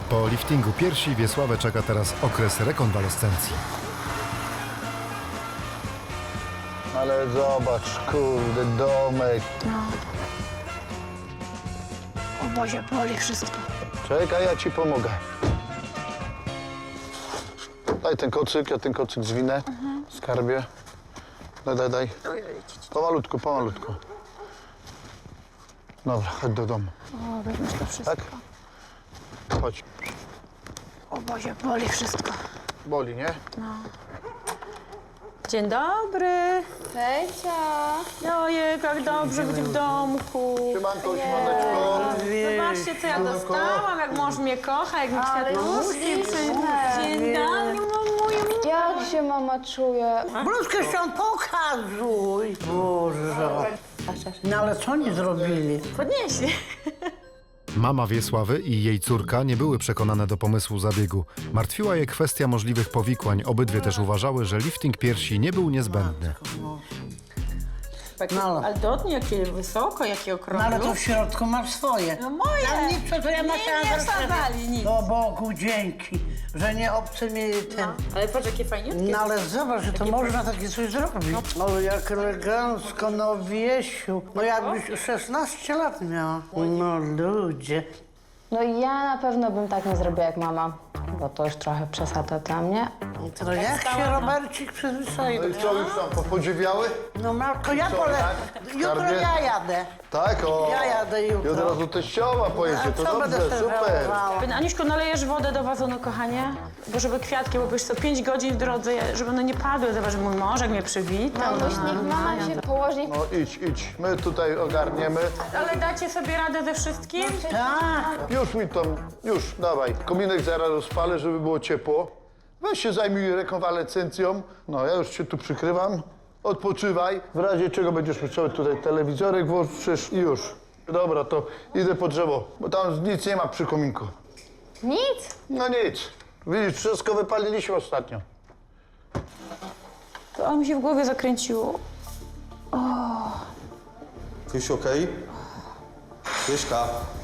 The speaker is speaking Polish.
Po liftingu piersi Wiesławę czeka teraz okres rekonwalescencji. Ale zobacz, kurde, domek. O Boże, boli wszystko. Czekaj, ja ci pomogę. Daj ten kocyk, ja ten kocyk zwinę. Skarbie. Daj. Pomalutku, pomalutku. Dobra, chodź do domu. O, weźmiesz to wszystko. Tak? Chodź. O Boże, boli wszystko. Boli, nie? Dzień dobry. Hejcia! Ojej, jak dobrze być w domku. Siemanko, siemaneczko. Zobaczcie, co ja dostałam, jak mąż mnie kocha, jak mi kwiatuszki Dzień dobry, mamuju. Jak się mama czuje? Bluzkę się pokazuj. Boże. No ale co oni zrobili? Podnieśli. Mama Wiesławy i jej córka nie były przekonane do pomysłu zabiegu. Martwiła je kwestia możliwych powikłań. Obydwie też uważały, że lifting piersi nie był niezbędny. No. Ale dotknij, jakie wysoko, jakie No okrągłe. ale to w środku masz swoje. No moje. Ja nic, to ja Nie wsadzali nic. O Bogu dzięki, że nie obcy mi ten. Ale patrz, jakie fajniutkie. No ale zobacz, że to można takie coś zrobić. No jak elegancko, no Wiesiu. No jakbyś 16 lat miała. No ludzie. No ja na pewno bym tak nie zrobiła jak mama, bo to już trochę przesada dla mnie. To jak się Robercik przyzwyczaił? No i co, już tam podziwiały? No matko, ja Co, pole... tak? Jutro Skarbie? ja jadę. Tak, o. Ja jadę jutro. I od razu teściowa pojedzie, to co będę dobrze, sobie super. żałowała? Aniuszko, nalejesz wodę do wazonu, kochanie? Bo żeby kwiatki, bo byś co 5 godzin w drodze, żeby one nie padły. Zobacz, mój mąż jak mnie przywitał. Mamuś, niech mama się położy. No idź, my tutaj ogarniemy. Ale dacie sobie radę ze wszystkim? Tak. Już mi tam, już, dawaj. Kominek zaraz rozpalę, żeby było ciepło. Weź się zajmij rekonwalescencją. No, ja już cię tu przykrywam. Odpoczywaj. W razie czego będziesz musiał tutaj telewizorek włączysz i już. Dobra, to idę po drzewo, bo tam nic nie ma przy kominku. Nic. No nic. Widzisz, wszystko wypaliliśmy ostatnio. To mi się w głowie zakręciło. Krysiu, okej? Kryśka,